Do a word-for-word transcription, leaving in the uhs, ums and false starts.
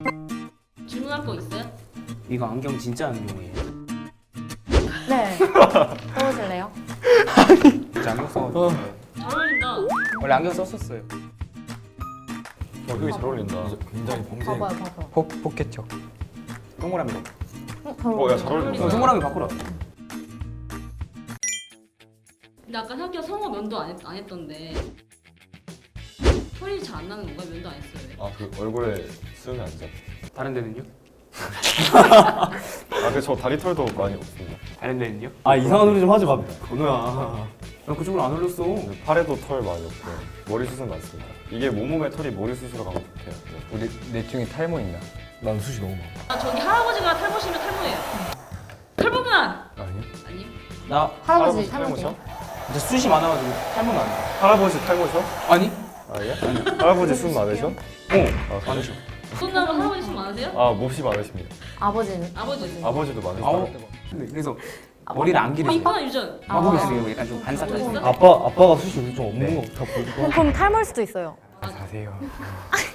질문할 거 있어요? 이거 안경 진짜 안경이에요? 네. 써보실래요? 진짜 안경 써가지고 잘 어울린다. 원래 안경 썼었어요. 어, 되게 잘 어울린다. 굉장히 범생. 봐봐요, 봐봐요. 포, 포켓형 동그라미로 어, 잘 어, 야, 잘 어울린다. 어울린다. 어, 동그라미 바꾸라. 근데 아까 생각해 성호 면도 안, 했, 안 했던데 털이 잘 안 나는 건가? 면도 안 했어요 왜? 아, 그 얼굴에 쓰면 안 돼. 다른 데는요? 아, 근데 저 다리 털도 많이 없습니다. 다른 데는요? 아 이상한 소리 좀 하지 마. 건우야. 나 그쪽으로 안 올렸어. 근데 팔에도 털 많이 없고 머리 숱은 많습니다. 이게 몸몸에 털이 머리 숱으로 가면 좋대요. 네. 우리 넷 중에 탈모 있나? 난 숱이 너무 많아. 아 저기 할아버지가 탈모시면 탈모예요. 탈모구나! 아니요? 아니 나 할아버지 탈모셔? 탈모죠. 진짜 숱이 많아가지고 탈모는 안 돼. 할아버지 탈모셔? 아니? 아, 예? 할아버지 숱 많으셔? 어 아, 그래? 많으셔. 손나무 할아버지 손 많으세요? 아, 몹시 많으십니다. 아버지는? 아버지 아버지도 많으시고. 아우 근데 그래서 머리를 안 아 기르세요. 이쁘나 유전 마법이 있으면 약간 좀 반사적인. 있어? 아빠 아빠가 숱이 좀 없는 거 다 보이고. 그럼 탈모일 수도 있어요. 자세요.